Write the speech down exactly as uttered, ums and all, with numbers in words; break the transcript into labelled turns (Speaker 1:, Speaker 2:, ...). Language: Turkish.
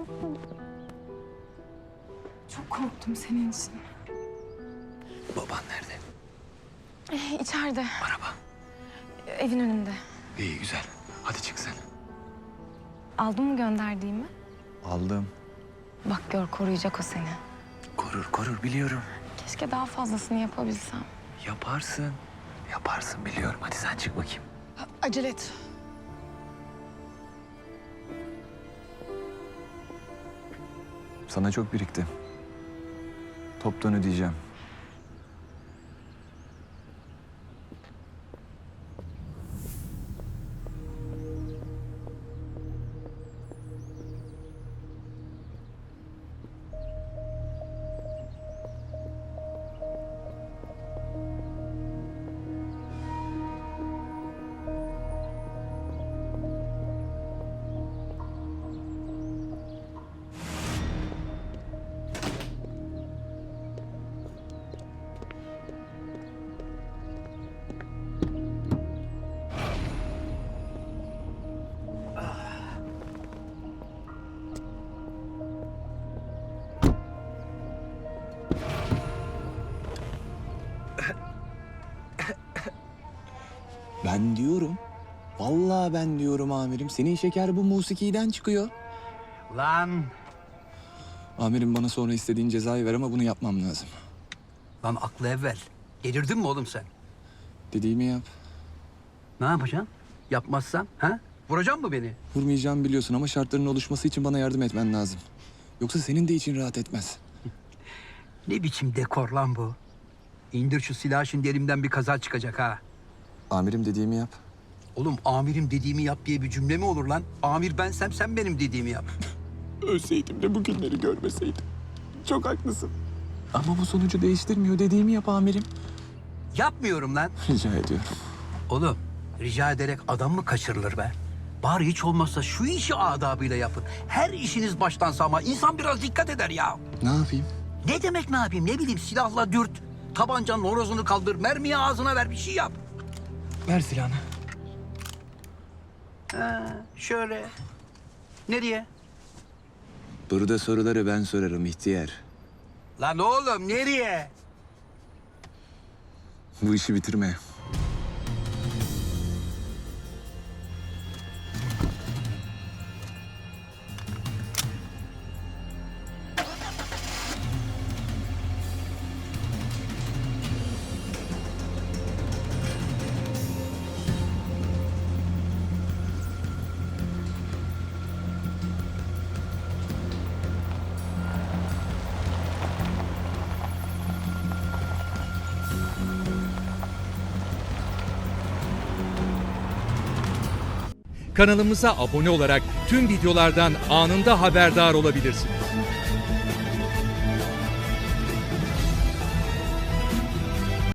Speaker 1: Çok korktum senin için.
Speaker 2: Baban nerede?
Speaker 1: Ee, içeride,
Speaker 2: Araba.
Speaker 1: evin önünde.
Speaker 2: İyi güzel. Hadi çık sen.
Speaker 1: Aldın mı gönderdiğimi?
Speaker 2: Aldım.
Speaker 1: Bak gör, koruyacak o seni.
Speaker 2: Korur korur biliyorum.
Speaker 1: Keşke daha fazlasını yapabilsem.
Speaker 2: Yaparsın. Yaparsın biliyorum. Hadi sen çık bakayım.
Speaker 1: Acele et.
Speaker 2: Sana çok birikti. Toptan ödeyeceğim. Ben diyorum. Vallahi ben diyorum amirim. Senin şeker bu musikiden çıkıyor.
Speaker 3: Lan,
Speaker 2: Amirim bana sonra istediğin cezayı ver ama bunu yapmam lazım.
Speaker 3: lan aklı evvel. Delirdin mi oğlum sen?
Speaker 2: Dediğimi yap.
Speaker 3: Ne yapacaksın? Yapmazsan, ha? Vuracaksın mı beni?
Speaker 2: Vurmayacağımı biliyorsun ama şartların oluşması için bana yardım etmen lazım. Yoksa senin de için rahat etmez.
Speaker 3: Ne biçim dekor lan bu? İndir şu silahı, şimdi elimden bir kaza çıkacak ha.
Speaker 2: Amirim dediğimi yap.
Speaker 3: Oğlum amirim dediğimi yap diye bir cümle mi olur lan? Amir bensem sen benim dediğimi yap.
Speaker 2: Ölseydim de bugünleri görmeseydim. Çok haklısın. Ama bu sonucu değiştirmiyor. Dediğimi yap amirim.
Speaker 3: Yapmıyorum lan.
Speaker 2: Rica ediyorum.
Speaker 3: Oğlum rica ederek adam mı kaçırılır be? Bari hiç olmazsa şu işi adabıyla yapın. Her işiniz baştan sağma. İnsan biraz dikkat eder ya.
Speaker 2: Ne yapayım?
Speaker 3: Ne demek ne yapayım? Ne bileyim, silahla dürt. Tabancanın horozunu kaldır. Mermiyi ağzına ver, bir şey yap.
Speaker 2: Ver silahını.
Speaker 3: Ha, şöyle. Nereye?
Speaker 2: Burada soruları ben sorarım ihtiyar.
Speaker 3: Lan oğlum nereye?
Speaker 2: Bu işi bitirme.
Speaker 4: Kanalımıza abone olarak tüm videolardan anında haberdar olabilirsiniz.